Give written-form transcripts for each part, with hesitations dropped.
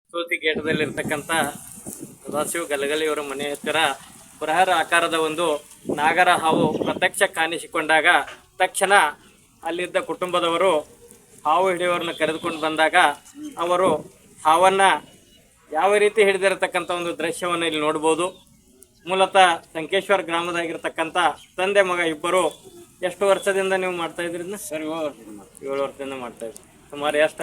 ಸೋತಿಗೇಟದಲ್ಲಿರ್ತಕ್ಕಂಥ ಸದಾಶಿವ ಗಲಗಲಿಯವರ ಮನೆ ಹತ್ತಿರ ಬೃಹತ್ ಆಕಾರದ ಒಂದು ನಾಗರ ಹಾವು ಪ್ರತ್ಯಕ್ಷ ಕಾಣಿಸಿಕೊಂಡಾಗ ತಕ್ಷಣ ಅಲ್ಲಿದ್ದ ಕುಟುಂಬದವರು ಹಾವು ಹಿಡಿಯೋರನ್ನ ಕರೆದುಕೊಂಡು ಬಂದಾಗ ಅವರು ಹಾವನ್ನು ಯಾವ ರೀತಿ ಹಿಡಿದಿರತಕ್ಕಂಥ ಒಂದು ದೃಶ್ಯವನ್ನು ಇಲ್ಲಿ ನೋಡ್ಬೋದು. ಮೂಲತಃ ಸಂಕೇಶ್ವರ ಗ್ರಾಮದಾಗಿರ್ತಕ್ಕಂಥ ತಂದೆ ಮಗ ಇಬ್ಬರು. ಎಷ್ಟು ವರ್ಷದಿಂದ ನೀವು ಮಾಡ್ತಾ ಇದ್ರಿ ಸರ್? 7 ವರ್ಷದಿಂದ ಮಾಡ್ತಾ ಇದ್ರಿ. ಸುಮಾರು ಎಷ್ಟು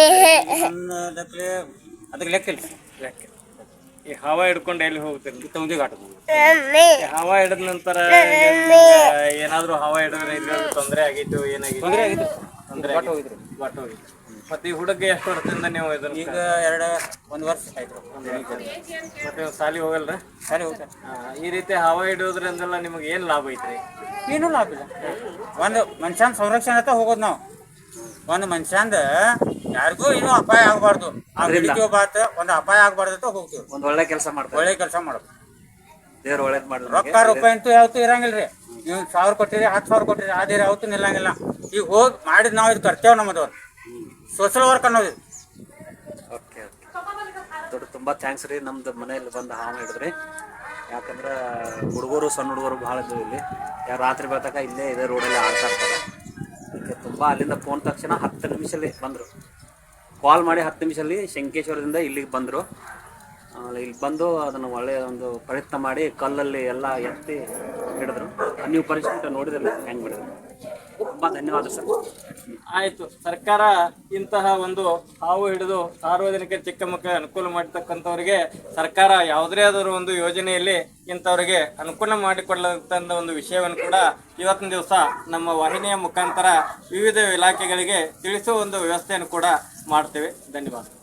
ಅದಕ್ಕೆ ಲೆಕ್ಕ ಲೆಕ್ಕ. ಈ ಹಾವ ಹಿಡ್ಕೊಂಡು ಎಲ್ಲಿ ಹೋಗ್ತೀರಿ? ತೌದಿ ಘಾಟ. ಹಾವ ಹಿಡಿದ ನಂತರ ಏನಾದ್ರು ಹಾವ ಹಿಡಿದ್ರೆ ಇಲ್ಲಿ ತೊಂದರೆ ಆಗಿತ್ತು? ಏನಾಗಿತ್ತು? ತೊಂದರೆ ಆಗಿತ್ತು. ಬಾಟ್ ಹೋಗಿತ್ತು. ಮತ್ತೆ ಈ ಹುಡುಗ ಎಷ್ಟು ವರ್ಷದಿಂದ ನೀವು ಇದನ್ನ? ಈಗ 1 ವರ್ಷ ಆಯ್ತು. ಮತ್ತೆ ಸಾಲಿ ಹೋಗಲ್ರ? ಸಾಲಿ ಹೋಗ್ತಾರೆ. ಈ ರೀತಿ ಹಾವ ಹಿಡಿಯೋದ್ರಿಂದೆಲ್ಲ ನಿಮಗೆ ಏನು ಲಾಭ ಐತ್ರಿ? ಏನೂ ಲಾಭ ಇಲ್ಲ. ಒಂದು ಮನುಷ್ಯನ ಸಂರಕ್ಷಣೆ ಅಂತ ಹೋಗೋದು ನಾವು. ಒಂದು ಮನುಷ್ಯಂದ ಯಾರಿಗೂ ಏನೂ ಅಪಾಯ ಆಗಬಾರ್ದು. ಒಂದು ಅಪಾಯ ಆಗಬಾರ್ದು ಅಂತ ಹೋಗ್ತೀವಿ. ಒಂದು ಒಳ್ಳೆ ಕೆಲಸ ಮಾಡ್ತೀವಿ. ಒಳ್ಳೆ ಕೆಲಸ ಮಾಡೋದು. ದೇವ್ರು ಒಳ್ಳೇದು ಮಾಡಿದ್ರು. ರೊಕ್ಕ ರೂಪಾಯಿ ಅಂತೂ ಯಾವತ್ತೂ ಇರಂಗಿಲ್ರಿ. ನೀವು 1000 ಕೊಟ್ಟಿರಿ 10,000 ಕೊಟ್ಟಿರಿ ಅದೇ ಯಾವತ್ತೂ ನಿಲ್ಲಂಗಿಲ್ಲ. ಈಗ ಹೋಗಿ ಮಾಡಿದ್ ನಾವು ಇದು ಕರ್ತೇವೆ. ನಮ್ಮದು ಸೋಷಲ್ ವರ್ಕ್ ಅನ್ನೋದು. ಓಕೆ ದೊಡ್ಡ ತುಂಬ ಥ್ಯಾಂಕ್ಸ್ ರೀ. ನಮ್ದು ಮನೆಯಲ್ಲಿ ಬಂದು ಹಾವು ಹಿಡಿದ್ರಿ. ಯಾಕಂದ್ರೆ ಹುಡುಗರು ಸಣ್ಣ ಹುಡುಗರು ಭಾಳ ಇದ್ವು ಇಲ್ಲಿ. ಯಾರು ರಾತ್ರಿ ಬೆಳತಕ ಇಲ್ಲೇ ಇದೇ ರೋಡಲ್ಲಿ ಆಡ್ತಾ ಇರ್ತಾರೆ. ಅದಕ್ಕೆ ತುಂಬ ಅಲ್ಲಿಂದ ಫೋನ್ ತಕ್ಷಣ 10 ನಿಮಿಷಲ್ಲಿ ಬಂದರು. ಕಾಲ್ ಮಾಡಿ 10 ನಿಮಿಷಲ್ಲಿ ಶಂಕೇಶ್ವರದಿಂದ ಇಲ್ಲಿಗೆ ಬಂದರು. ಇಲ್ಲಿ ಬಂದು ಅದನ್ನು ಒಳ್ಳೆಯ ಒಂದು ಪ್ರಯತ್ನ ಮಾಡಿ ಕಲ್ಲಲ್ಲಿ ಎಲ್ಲ ಎತ್ತಿ ಹಿಡಿದ್ರು. ನೀವು ಪರಿಸ್ಥಿತಿ ನೋಡಿದ್ರಲ್ಲ ಹೆಂಗೆ ಬಿಡಿದ್ರು. ತುಂಬ ಧನ್ಯವಾದ ಸರ್. ಆಯಿತು. ಸರ್ಕಾರ ಇಂತಹ ಒಂದು ಹಾವು ಹಿಡಿದು ಸಾರ್ವಜನಿಕ ಚಿಕ್ಕ ಮಕ್ಕಳಿಗೆ ಅನುಕೂಲ ಮಾಡತಕ್ಕಂಥವ್ರಿಗೆ ಸರ್ಕಾರ ಯಾವುದೇ ಆದರೂ ಒಂದು ಯೋಜನೆಯಲ್ಲಿ ಇಂಥವ್ರಿಗೆ ಅನುಕೂಲ ಮಾಡಿಕೊಳ್ಳತಕ್ಕಂಥ ಒಂದು ವಿಷಯವನ್ನು ಕೂಡ ಇವತ್ತಿನ ದಿವಸ ನಮ್ಮ ವಾಹಿನಿಯ ಮುಖಾಂತರ ವಿವಿಧ ಇಲಾಖೆಗಳಿಗೆ ತಿಳಿಸುವ ಒಂದು ವ್ಯವಸ್ಥೆಯನ್ನು ಕೂಡ ಮಾಡ್ತೇವೆ. ಧನ್ಯವಾದ.